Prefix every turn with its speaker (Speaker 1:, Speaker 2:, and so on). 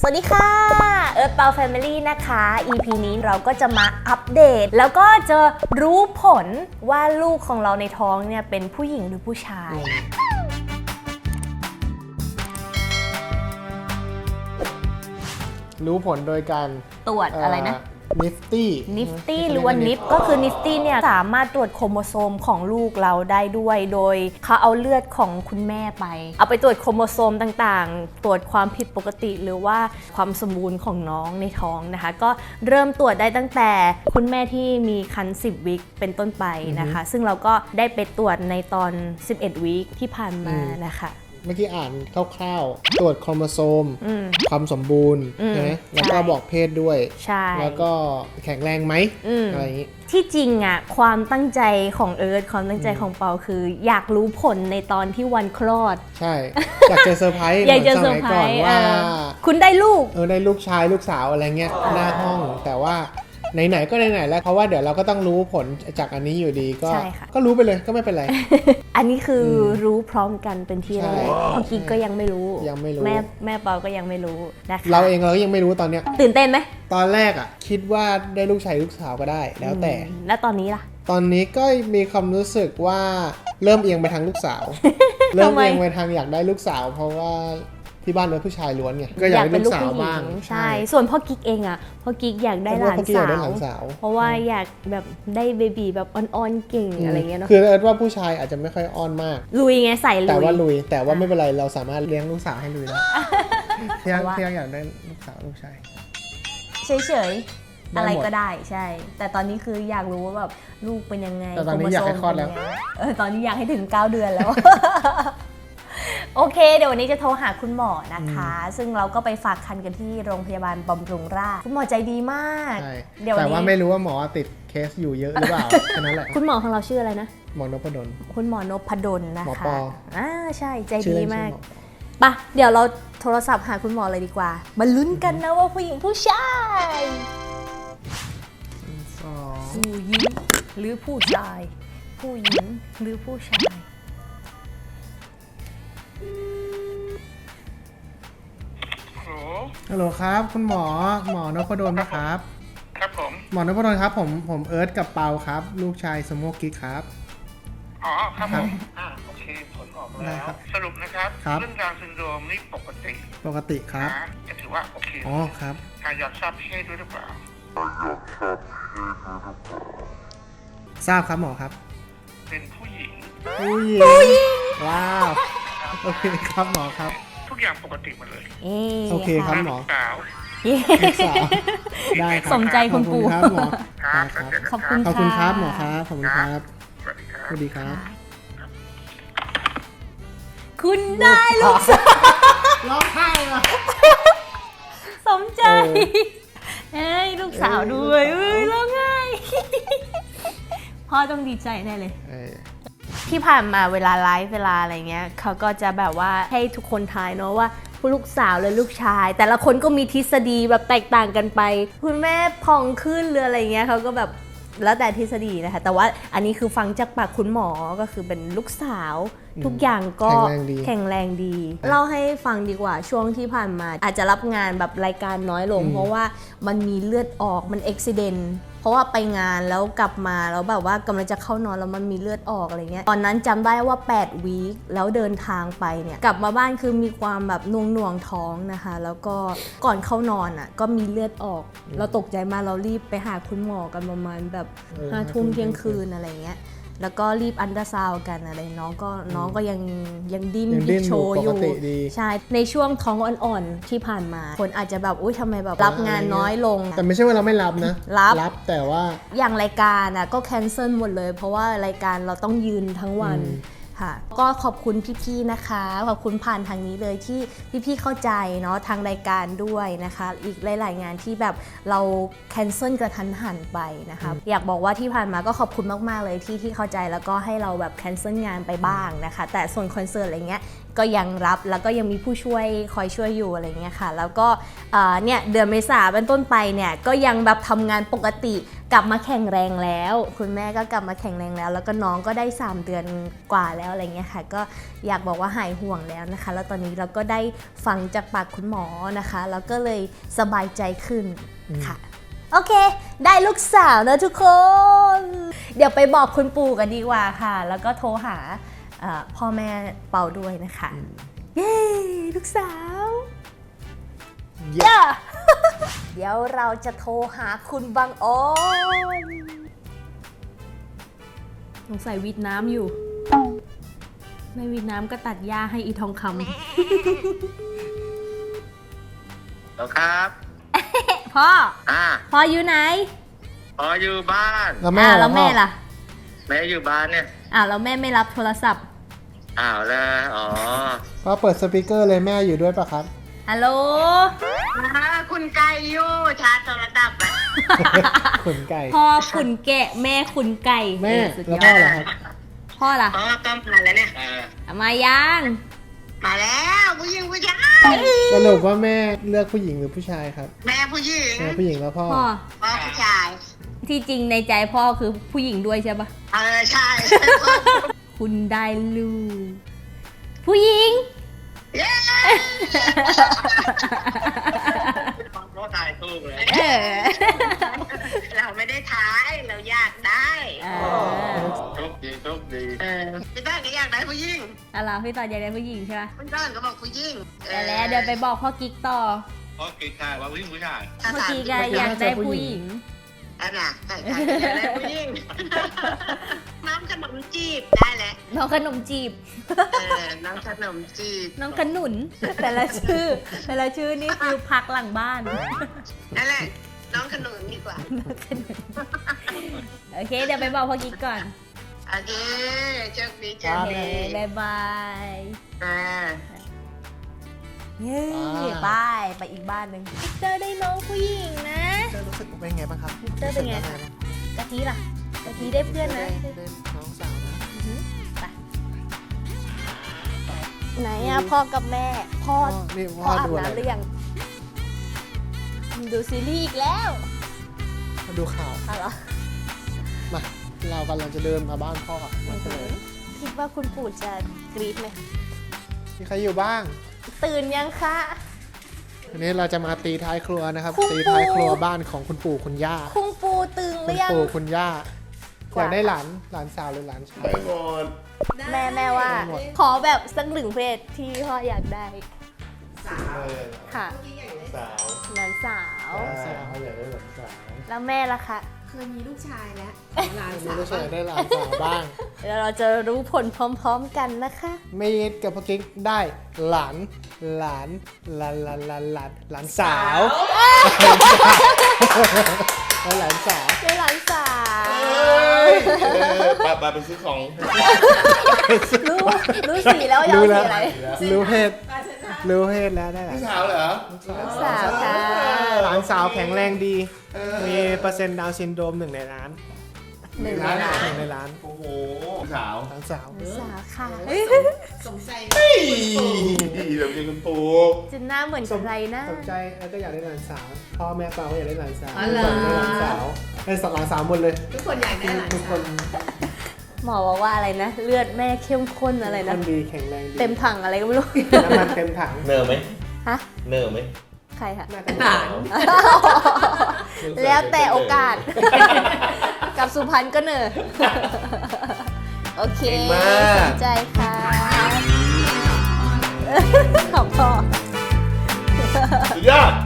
Speaker 1: สวัสดีค่ะเอิร์ธเปาแฟมิลี่นะคะ EP นี้เราก็จะมาอัปเดตแล้วก็จะรู้ผลว่าลูกของเราในท้องเนี่ยเป็นผู้หญิงหรือผู้ชาย
Speaker 2: รู้ผลโดยการ
Speaker 1: ตรวจอะไรนะ
Speaker 2: Nifty
Speaker 1: หรือว่า NIP ก็คือ Nifty เนี่ยสามารถตรวจโครโมโซมของลูกเราได้ด้วยโดยเขาเอาเลือดของคุณแม่ไปเอาไปตรวจโครโมโซมต่างๆตรวจความผิดปกติหรือว่าความสมบูรณ์ของน้องในท้องนะคะก็เริ่มตรวจได้ตั้งแต่คุณแม่ที่มีครรภ์10 วีคเป็นต้นไปนะคะซึ่งเราก็ได้ไปตรวจในตอน11 วีคที่ผ่านมานะคะ
Speaker 2: เมื่อกี้อ่านคร่าวๆตรวจโครโมโซมความสมบูรณ์ใช่ไหมแล้วก็บอกเพศด้วย
Speaker 1: ใช่
Speaker 2: แล้วก็แข็งแรงไหมอะไรอย่างนี้
Speaker 1: ที่จริงอ่ะความตั้งใจของเอิร์ธความตั้งใจของเปาคืออยากรู้ผลในตอนที่วันคลอด
Speaker 2: ใช่อยากเจอเซอร์ไพรส์
Speaker 1: อยากเจอเซอร์ไพรส์ว่าคุณได้ลูก
Speaker 2: ได้ลูกชายลูกสาวอะไรเงี้ยหน้าห้องแต่ว่าไหนๆก็ไหนๆแล้วเพราะว่าเดี๋ยวเราก็ต้องรู้ผลจากอันนี้อยู่ดีก็รู้ไปเลยก็ไม่เป็นไร
Speaker 1: อันนี้คือรู้พร้อมกันเป็นที่แรกพ่อกิ๊กก็ยังไม่รู้แม่เปาก็ยังไม่รู้นะคะ
Speaker 2: เราเองเราก็ยังไม่รู้ตอนเนี้ย
Speaker 1: ตื่นเต้นไหม
Speaker 2: ตอนแรกอ่ะคิดว่าได้ลูกชายลูกสาวก็ได้แล้วแต่
Speaker 1: แล้วตอนนี้ล่ะ
Speaker 2: ตอนนี้ก็มีความรู้สึกว่าเริ่มเอียงไปทางลูกสาว เริ่มเอียงไปทางอยากได้ลูกสาวเพราราะว่าที่บ้านเป็นผู้ชายล้วนไงก็อยากเป็นลูกสาวบ้าง
Speaker 1: ใช่ส่วนพ่อกิ๊กเองอ่ะพ่อกิ๊กอยากได้หลานสาวเพราะว่าอยากแบบได้เบบีแบบอ่อนๆเก่งอะไรเงี้ยเนาะ
Speaker 2: คือเอิร์ธว่าผู้ชายอาจจะไม่ค่อยอ้อนมาก
Speaker 1: ลุยไงใส่ลุย
Speaker 2: แต่ว่าไม่เป็นไรเราสามารถเลี้ยงลูกสาวให้ลุยได้เที่ยงอยากได้ลูกสาวลูกชาย
Speaker 1: เฉยๆอะไรก็ได้ใช่แต่ตอนนี้คืออยากรู้ว่าแบบลูกเป็นยังไง
Speaker 2: แต่ตอนนี้อยากให้คลอดแล้ว
Speaker 1: ตอนนี้อยากให้ถึง9 เดือนแล้วโอเคเดี๋ยววันนี้จะโทรหาคุณหมอนะคะซึ่งเราก็ไปฝากคันกันที่โรงพยาบาลบำรุงราษฎร์คุณหมอใจดีมาก
Speaker 2: แต่ว่าไม่รู้ว่าหมอติดเคสอยู่เยอะหรือเปล่าแค่นั้นแหละ
Speaker 1: คุณหมอของเราชื่ออะไรนะ
Speaker 2: หมอนพดล
Speaker 1: คุณหมอนพดลนะคะ
Speaker 2: หมอปอ
Speaker 1: ใช่ใจดีมากปะเดี๋ยวเราโทรศัพท์หาคุณหมอเลยดีกว่ามาลุ้นกันนะว่าผู้หญิงผู้ชายผู้หญิงหรือผู้ชายผู้หญิงหรือผู้ชาย
Speaker 2: ฮัลโหลครับคุณหมอนพดลนะครับ
Speaker 3: ครับผม
Speaker 2: หมอนพดลครับผมเอิร์ธกับเปาครับลูกชายสโมกกิ๊กครับ
Speaker 3: อ๋อครับผมโอเคผลออกแล้วสรุปนะครับเรื่องดาวน์ซินโดรมนี่ปกติ
Speaker 2: ครับ
Speaker 3: จะถือว่าโอเค
Speaker 2: อ๋อครับ
Speaker 3: อยากทราบเพศด้วยหรือเปล่า
Speaker 2: ทราบครับหมอครับ
Speaker 3: เป็นผู้หญิง
Speaker 2: ว้าวโอเคครับหมอครับ
Speaker 3: ทุกอย่างปกติหมดเลย
Speaker 2: โอเคครับหมอ
Speaker 3: สาว
Speaker 2: ได้ครับ
Speaker 1: สมใจคุณปู่
Speaker 2: ครับหมอ
Speaker 1: ขอบคุณ
Speaker 2: ครับหมอครับขอบคุณครับสวัสดีครับ
Speaker 1: คุณได้ลูกสาว
Speaker 2: ร้องไห้อ่ะ
Speaker 1: สมใจลูกสาวด้วยร้องไห้พ่อต้องดีใจแน่เลยที่ผ่านมาเวลาไลฟ์เวลาอะไรเงี้ยเขาก็จะแบบว่าให้ทุกคนทายเนาะว่าลูกสาวหรือลูกชายแต่ละคนก็มีทฤษฎีแบบแตกต่างกันไปคุณแม่ผ่องขึ้นหรืออะไรเงี้ยเขาก็แบบแล้วแต่ทฤษฎีนะคะแต่ว่าอันนี้คือฟังจากปากคุณหมอก็คือเป็นลูกสาวทุกอย่างก็แข็งแรงดีเล่าให้ฟังดีกว่าช่วงที่ผ่านมาอาจจะรับงานแบบรายการน้อยลงเพราะว่ามันมีเลือดออกมันอุบิเหตุเพราะว่าไปงานแล้วกลับมาแล้วแบบว่ากำลังจะเข้านอนแล้วมันมีเลือดออกอะไรเงี้ยตอนนั้นจำได้ว่า8 วีคแล้วเดินทางไปเนี่ยกลับมาบ้านคือมีความแบบหน่วงท้องนะคะแล้วก็ก่อนเข้านอนอ่ะก็มีเลือดออกเราตกใจมากเรารีบไปหาคุณหมอกันประมาณแบบ5 ทุ่มเที่ยงคืนอะไรเงี้ยแล้วก็รีบอัลตราซาวด์กันอะไรน้องก็ยังดิ้นโชว์อยู่ใช่ในช่วงท้องอ่อนๆที่ผ่านมาคนอาจจะแบบอุ๊ยทำไมแบบรับงานน้อยลง
Speaker 2: แต่ไม่ใช่ว่าเราไม่รับนะรับแต่ว่า
Speaker 1: อย่างรายการอ่ะก็แคนเซิลหมดเลยเพราะว่ารายการเราต้องยืนทั้งวันก็ขอบคุณพี่ๆนะคะขอบคุณผ่านทางนี้เลยที่พี่ๆเข้าใจเนาะทางรายการด้วยนะคะอีกหลายๆงานที่แบบเราแคนเซิลกระทันหันไปนะคะอยากบอกว่าที่ผ่านมาก็ขอบคุณมากๆเลยที่เข้าใจแล้วก็ให้เราแบบแคนเซิลงานไปบ้างนะคะแต่ส่วนคอนเสิร์ตอะไรเงี้ยก็ยังรับแล้วก็ยังมีผู้ช่วยคอยช่วยอยู่อะไรเงี้ยค่ะแล้วก็เนี่ยเดือนเมษาเป็นต้นไปเนี่ยก็ยังแบบทำงานปกติกลับมาแข็งแรงแล้ว คุณแม่ก็กลับมาแข็งแรงแล้ว แล้วก็น้องก็ได้3 เดือนกว่าแล้วอะไรเงี้ยค่ะก็อยากบอกว่าหายห่วงแล้วนะคะ แล้วตอนนี้เราก็ได้ฟังจากปากคุณหมอนะคะแล้วก็เลยสบายใจขึ้นค่ะโอเคได้ลูกสาวนะทุกคนเดี๋ยวไปบอกคุณปู่กันดีกว่าค่ะ แล้วก็โทรหาพ่อแม่เปาด้วยนะคะเย้ลูกสาวเย้ เดี๋ยวเราจะโทรหาคุณบังออนสงสัยวิดน้ำอยู่ไม่วิดน้ำก็ตัดหญ้าให้อีทองคำ
Speaker 3: แล้วครับ
Speaker 1: พ่อพ่ออยู่ไหน
Speaker 3: อ๋ออยู่บ้าน
Speaker 2: แล้วแม่
Speaker 1: แล้วแม่ล่ะ
Speaker 3: แม่อยู่บ้านเนี่ย
Speaker 1: แล้วแม่ไม่รับโทรศัพท์
Speaker 3: อ้าวแล้วอ๋อ
Speaker 2: พ่อเปิดสปีกเกอร์เลยแม่อยู่ด้วยปะครับ
Speaker 1: ฮัลโหล
Speaker 4: คุณไก่อยู่ชาร์จโทรศัพท์อะ
Speaker 2: ขุนไก่
Speaker 1: พ่อขุนแกะแม่ขุนไก่
Speaker 2: แม่
Speaker 1: สุด
Speaker 2: แล้ว
Speaker 1: ยอ
Speaker 2: พ่อ
Speaker 1: ด
Speaker 2: เหรอครับ
Speaker 1: พ่อล่ะ
Speaker 4: อ๋อก็มาแล้วเนี่ย
Speaker 1: มายัง
Speaker 4: มาแล้วผู้หญิงผู้ชาย
Speaker 2: สรุปว่าแม่เลือกผู้หญิงหรือผู้ชายครับ
Speaker 4: แม่ผู้หญิง
Speaker 2: แม่ผู้หญิงแล้วพ่อ
Speaker 1: พ่อ
Speaker 4: พ่อผู้ชาย
Speaker 1: ที่จริงในใจพ่อคือผู้หญิงด้วยใช่ปะ
Speaker 4: ใช่
Speaker 1: คุณได้ลูกผู้หญิง
Speaker 4: เย้
Speaker 3: รถถ่ายตู้เลย
Speaker 4: เราไม่ได้ท้ายเราอยากได้
Speaker 3: โชคดีโชคดี
Speaker 4: พี่ต้นก็อยากได้ผู้หญิง
Speaker 1: อะไรพี่ต่ออยากได้ผู้หญิงใช่ปะ
Speaker 4: พี่ต้นก็บอกผู้หญิง
Speaker 1: แล้วเดี๋ยวไปบอกพ่อกิ๊กต่อ
Speaker 3: เพราะกินข้าวว่าผู้ชาย
Speaker 1: เมื่อกี้ก็อยากได้ผู้หญิง
Speaker 4: อันน่ะอยากได้ผู้หญิงน้ำขนมจีบได้แหละ
Speaker 1: น้องขนมจีบ
Speaker 4: น้ำขนมจีบ
Speaker 1: น้องขนุน แต่ละชื่อนี่คือพักหลังบ้าน
Speaker 4: นั่นแหละน้องขนุนดีกว่า
Speaker 1: โอเค เดี๋ยวไปบอกพ่อกิ๊กก่อน
Speaker 4: โอเคโชคดีโช
Speaker 1: โอ
Speaker 4: ค
Speaker 1: เค
Speaker 4: ดี
Speaker 1: บ๊ายบาย
Speaker 4: อ่า
Speaker 1: เย้ไปอีกบ้านหนึ่งวิกเตอร์ได้น้องผู้หญิงนะ
Speaker 2: รู้สึกเป็นไงบ้างครับ
Speaker 1: วิกเตอร์เป็นไงคะกะทิล่ะกะทิได้เพื่อนนะ
Speaker 2: ได้น้องสาวนะ
Speaker 1: ไปไหนอะพ่อกับแม่ พ่อ
Speaker 2: นี่
Speaker 1: พ่
Speaker 2: พ่
Speaker 1: อ
Speaker 2: อ
Speaker 1: อาบ
Speaker 2: ดูอะไร
Speaker 1: น้ำหรือยังดูซีรีส์อีกแล้ว
Speaker 2: มาดูข่าว
Speaker 1: เอาเหรอ
Speaker 2: มาเรากำลังจะเดินมาบ้านพ่อมาเลย
Speaker 1: คิดว่าคุณปู่จะกรี๊ดไหม
Speaker 2: มีใครอยู่บ้าง
Speaker 1: ตื่นยังคะ
Speaker 2: วันนี้เราจะมาตีท้ายครัวนะครับ
Speaker 1: คุณปู่
Speaker 2: ตีท้ายครัวบ้านของคุณปู่คุณย่า
Speaker 1: คุณปู่ตื่นห
Speaker 2: คุ
Speaker 1: รื
Speaker 2: ณ
Speaker 1: อยัง
Speaker 2: ปู่คุณย่า
Speaker 1: กว่า
Speaker 2: อยากได้หลานสาวหรือหลานชาย
Speaker 1: แม่ว่า
Speaker 2: ได้หมด
Speaker 1: ขอแบบสักหนึ่งเพศที่พ่ออยากได้ค่ะหลานสาว
Speaker 2: สาวอยากได้หลานสาว
Speaker 1: แล้วแม่ล่ะคะ
Speaker 5: เคยมีลูกชายแล้วหลาน
Speaker 2: มี
Speaker 5: สาว
Speaker 2: ลูกชายได้หลานสาวบ้าง
Speaker 1: เดี๋ยวเราจะรู้ผลพร้อมๆกันนะคะ
Speaker 2: เมย์กับพ่อกิ๊กได้หลานสาวแล้วหลานสาว
Speaker 1: ได้หลานสาว
Speaker 3: ไปไปซื้อของ
Speaker 1: รู้สีแล้วยอมสีอะไร
Speaker 2: รู้เพศแล้วได้หลาน
Speaker 3: สาวเหรอ
Speaker 1: สาวค่ะ
Speaker 2: หลานสาวแข็งแรงดี มีเปอร์เซ็นต์ดาวน์ซินโดรม1 ในล้าน
Speaker 1: หนึ่งในล้าน
Speaker 2: 1 ในล้าน
Speaker 3: โอ้โหสาว
Speaker 2: หลานสาว
Speaker 1: สาวค่ะ
Speaker 5: สงสัย
Speaker 3: ดีแบบนี้คุณปู่
Speaker 1: จะหน้าเหมือนใครนะ
Speaker 2: สนใจแล้วก็อยากได้หลานสาว พ่อแม่เปาก็อยากได้หลานสาว
Speaker 5: อ๋อเหรอ
Speaker 2: ได้หลานสาวได้หลานสาวหมดเลย
Speaker 5: ทุกคนอยากได้หลาน
Speaker 2: ทุกค
Speaker 5: สาวน
Speaker 1: หมอบอกว่าอะไรนะ เลือดแม่เข้มข้นอะไร
Speaker 2: ค
Speaker 1: นะ
Speaker 2: นดีแข็งแรงดี
Speaker 1: เต็มถังอะไรก็ไม่รู้
Speaker 2: น้ำมันเต็มถัง
Speaker 3: เนอไหม
Speaker 1: ฮะ
Speaker 3: เนอไหม
Speaker 1: ใครคะ
Speaker 2: น่าจะ
Speaker 5: หลาน
Speaker 1: แล้วแต่โอกาส กับสุพรรณก็เนอะโอเค สนใจค่ะขอบพ่อ
Speaker 3: สุดยอด